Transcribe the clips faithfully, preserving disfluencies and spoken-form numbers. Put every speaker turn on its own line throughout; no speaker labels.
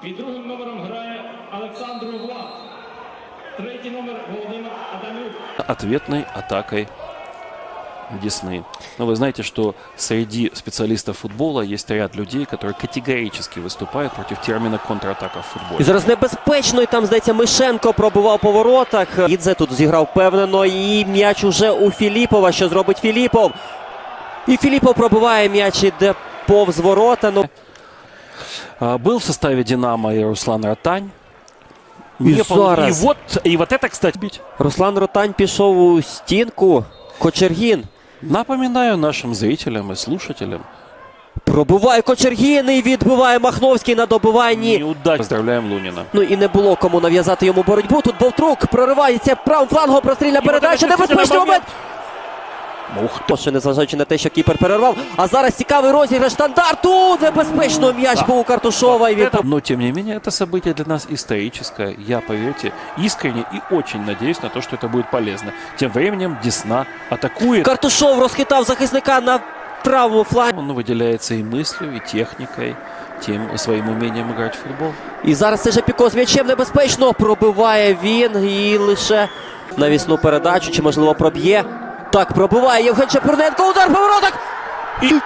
Під другим номером грає Олександр Влад. Третій номер Володимир Адамюк.
Ответной атакой Десны. Но вы знаете, что среди специалистов футбола есть ряд людей, которые категорически выступают против термина контратака в футболе.
І зараз небезпечно, і там, здається, Мишенко пробивав по воротах. Ідзе тут зіграв впевнено, і м'яч уже у Філіпова. Що зробить Філіпов? І Філіпов пробиває м'яч, іде повз ворота. Ну...
А, Был в составе «Динамо» и Руслан Ротань.
І
Не пол-
зараз
И вот, и вот это, кстати, бить.
Руслан Ротань пішов у стінку. Кочергін.
Напоминаю нашим зрителям и слушателям.
Пробиває Кочергін і відбиває Махновський на добиванні.
Неудачно. Поздравляем Лунина.
Ну і не було кому нав'язати йому боротьбу. Тут Бовтрук проривається правим флангом, прострільна передача. Небезпечний момент.
Ух ты.
Ще незважаючи на те, що кіпер перервав. А зараз цікавий розіграш стандарту. Небезпечно м'яч був у Картушова. І він...
Но, тем не менее, это событие для нас историческое. Я, поверьте, искренне и очень надеюсь на то, что это будет полезно. Тем временем Десна атакует.
Картушов розхитав захисника на правому флангі.
Он выделяется и мыслью, и техникой, тем своим умением играть в футбол.
І зараз це же Піко з м'ячем небезпечно. Пробиває він і лише навісну передачу. Чи можливо проб'є? Так, пробиває Євген Чепурненко. Удар по воротах.
И...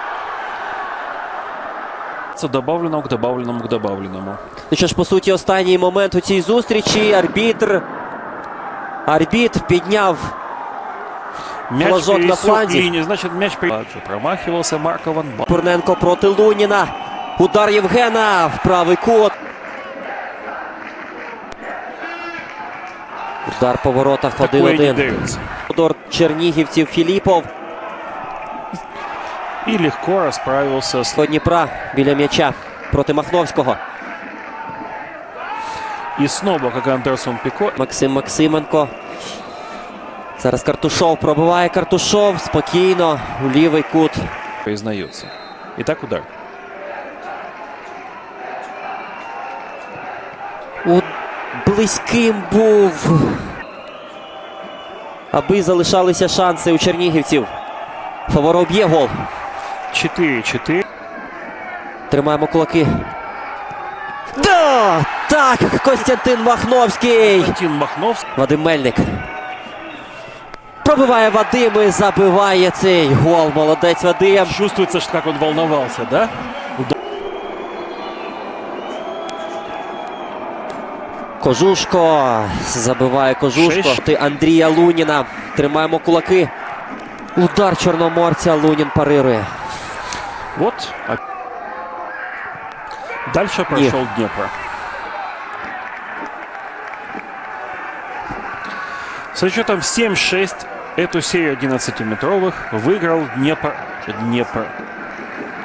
Добавленному к добавленному к добавленному.
Ну що ж, по суті, останній момент у цій зустрічі. Арбітр. Арбітр підняв
Мяч
флажок на
пересек
фланзі.
линию, значит, мяч при... Промахивался Марко Ван Ба-
Чепурненко проти Луніна. Удар Євгена в правий кут. Удар по воротах
Такое не
один-один.
дается.
Удар чернігівців Філіпов.
И легко расправился с...
До Дніпра біля м'яча проти Махновського.
И снова, как Андерсон Пико,
Максим Максименко. Зараз Картушов пробиває. Картушов спокійно у лівий кут.
признается. Итак, удар.
У... Близьким був. Аби залишалися шанси у чернігівців. Фаворов б'є гол.
четыре-четыре.
Тримаємо кулаки. Да! Так, Костянтин Махновський.
Константин Махновский.
Вадим Мельник. Пробиває Вадим і забиває цей гол. Молодець Вадим.
Чувствуется, что как он волновался, да?
Кожушко. Забиває Кожушко.
Шесть.
Ти Андрія Луніна. Тримаємо кулаки. Удар чорноморця. Лунін парирує.
Вот. А- Дальше прошел Днепр. Со счетом семь-шесть эту серию одиннадцатиметровых выиграл Днепр. Днепр.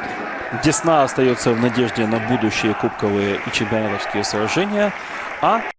Десна остается в надежде на будущие кубковые и чемпионатовские сражения. А